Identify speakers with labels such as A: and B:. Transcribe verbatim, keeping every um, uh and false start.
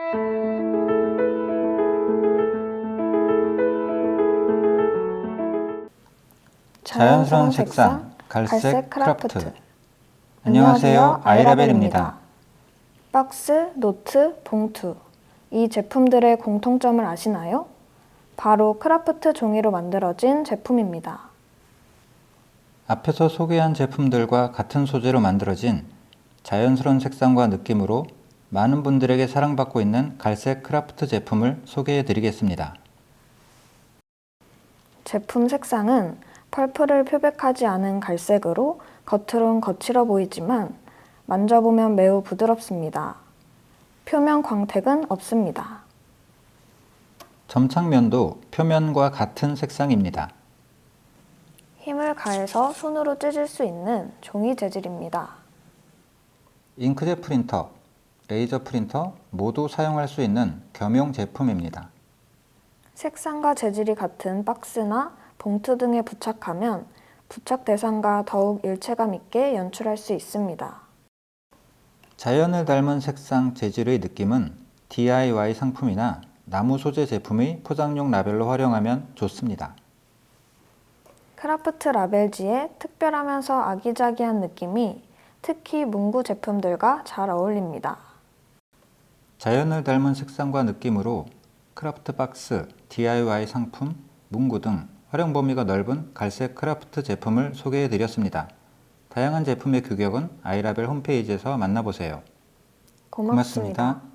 A: 자연스러운 색상, 갈색 크라프트. 안녕하세요, 아이라벨입니다.
B: 박스, 노트, 봉투. 이 제품들의 공통점을 아시나요? 바로 크라프트 종이로 만들어진 제품입니다.
A: 앞에서 소개한 제품들과 같은 소재로 만들어진 자연스러운 색상과 느낌으로 많은 분들에게 사랑받고 있는 갈색 크라프트 제품을 소개해 드리겠습니다.
B: 제품 색상은 펄프를 표백하지 않은 갈색으로 겉으론 거칠어 보이지만 만져보면 매우 부드럽습니다. 표면 광택은 없습니다.
A: 점착면도 표면과 같은 색상입니다.
B: 힘을 가해서 손으로 찢을 수 있는 종이 재질입니다.
A: 잉크젯 프린터, 레이저 프린터 모두 사용할 수 있는 겸용 제품입니다.
B: 색상과 재질이 같은 박스나 봉투 등에 부착하면 부착 대상과 더욱 일체감 있게 연출할 수 있습니다.
A: 자연을 닮은 색상, 재질의 느낌은 디아이와이 상품이나 나무 소재 제품의 포장용 라벨로 활용하면 좋습니다.
B: 크라프트 라벨지의 특별하면서 아기자기한 느낌이 특히 문구 제품들과 잘 어울립니다.
A: 자연을 닮은 색상과 느낌으로 크라프트 박스, 디아이와이 상품, 문구 등 활용 범위가 넓은 갈색 크라프트 제품을 소개해 드렸습니다. 다양한 제품의 규격은 아이라벨 홈페이지에서 만나보세요.
B: 고맙습니다.
A: 고맙습니다.